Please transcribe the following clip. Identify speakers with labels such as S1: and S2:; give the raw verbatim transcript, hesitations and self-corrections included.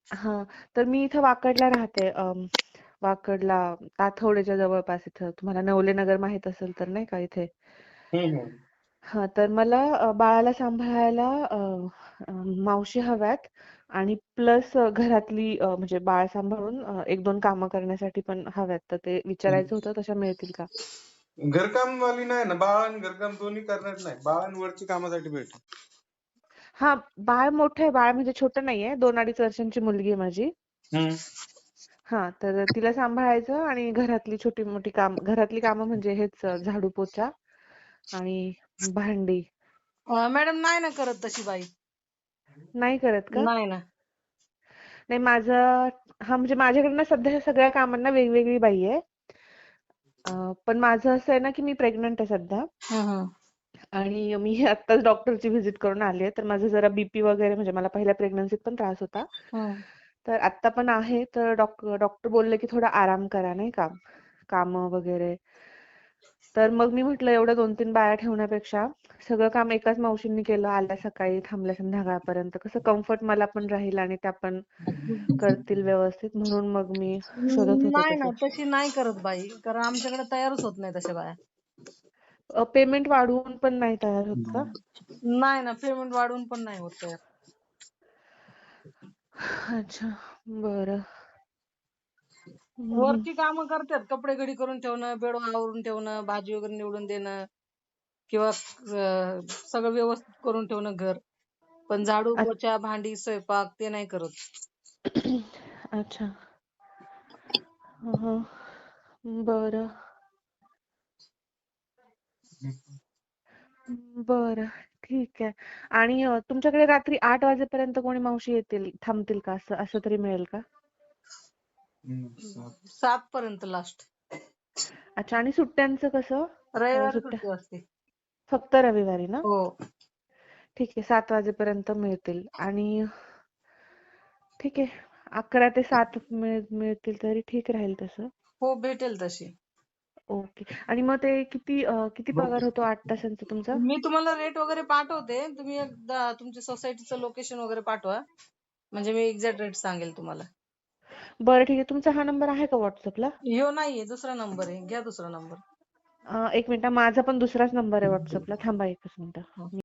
S1: हां, तर मी इथं वाकडला राहते. अं, वाकडला ताथवडेच्या जवळपास इथं. तुम्हाला नवलेनगर माहीत असेल तर नाही का इथे.
S2: हम्म हम्म.
S1: हां, तर मला अ, बाळाला सांभाळायला अ, अ, मावशी हव्यात आणि प्लस घरातली अ, म्हणजे बाळ सांभाळून अ, एक दोन कामं करण्यासाठी पण हव्यात. तर ते विचारायचं होतं, तशा मिळतील का?
S2: घरकाम वाली नाही ना, बाळ आणि घरकाम दोन्ही करणार नाही. बाळ आणि वरची कामासाठी भेटेल.
S1: हां, बाळ मोठं आहे. बाळ म्हणजे छोटं नाहीये. दोन अडीच वर्षांची मुलगी आहे माझी.
S2: हम्म.
S1: हां, तर तिला सांभाळायचं आणि घरातली छोटी-मोठी काम घरातली कामं म्हणजे हेच अ, झाडू, पोछा आणि भांडी.
S3: मॅडम नाही ना करत तशी बाई.
S1: नाही करत का?
S3: नाही ना.
S1: नाही माझं हां, म्हणजे माझ्याकडे ना सध्या सगळ्या कामांना वेगवेगळी बाई आहे. अ, पण माझं असं आहे ना, की मी प्रेग्नंट आहे सध्या
S3: हं, हं.
S1: आणि मी आत्ताच डॉक्टरची व्हिजिट करून आली आहे. तर माझं जरा बीपी वगैरे म्हणजे मला पहिल्या प्रेग्नन्सीत पण त्रास होता.
S3: हं.
S1: तर आत्ता पण आहे. तर डॉक डॉक्टर बोलले, की थोडा आराम करा नाही का, कामं वगैरे. तर मग मी म्हटलं एवढ्या दोन तीन बाया ठेवण्यापेक्षा सगळं काम एकाच मावशींनी केलं, आल्या सकाळी थांबल्या संध्याकाळपर्यंत. कसं कम्फर्ट मला पण राहील आणि त्या पण करतील व्यवस्थित. म्हणून मग मी शोधत होते
S3: नाही ना,
S1: तसं.
S3: तशी नाही करत बाई. कारण आमच्याकडे तयारच होत नाही तशा बाया.
S1: पेमेंट वाढवून पण नाही तयार होत का?
S3: नाही ना, पेमेंट वाढवून पण नाही होत तयार.
S1: अच्छा, बरं. हं, हं.
S3: वरची कामं करतात. कपडे घडी करून ठेवणं, बेड आवरून ठेवणं, भाजी वगैरे निवडून देणं किंवा अ, सगळं व्यवस्थित करून ठेवणं घर. पण झाडू,
S1: अ
S3: पोछा, भांडी, स्वयंपाक ते नाही करत.
S1: अच्छा. हं, हं. बरं. बरं, ठीक आहे. आणि अ, तुमच्याकडे रात्री आठ वाजेपर्यंत कोणी मावशी येतील थांबतील का? असं असं तरी मिळेल का?
S3: सात पर्यंत लास्ट.
S1: अच्छा आणि सुट्ट्यांचं कसं? अ,
S3: रविवारी
S1: सुट्ट्या
S3: सुट्टी असते.
S1: फक्त रविवारी ना?
S3: हो.
S1: ठीक आहे. सात वाजेपर्यंत मिळतील आणि ठीक आहे. अकरा ते सात मिळ मिळतील तरी ठीक राहील तसं.
S3: हो, भेटेल तशी.
S1: ओके. आणि मग ते किती अ, किती पगार होतो आठ तासांचा तुमचा?
S3: मी तुम्हाला रेट वगैरे पाठवते. तुम्ही एकदा तुमच्या सोसायटीचं लोकेशन वगैरे पाठवा. म्हणजे मी एक्झॅक्ट रेट सांगेल तुम्हाला.
S1: बरं ठीक आहे. तुमचा हा नंबर आहे का WhatsAppला?
S3: ह्यो नाहीये, दुसरा नंबर आहे. घ्या दुसरा नंबर.
S1: अ, एक मिनिट माझा पण दुसराच नंबर आहे WhatsAppला. थांबा एकच मिनिटं.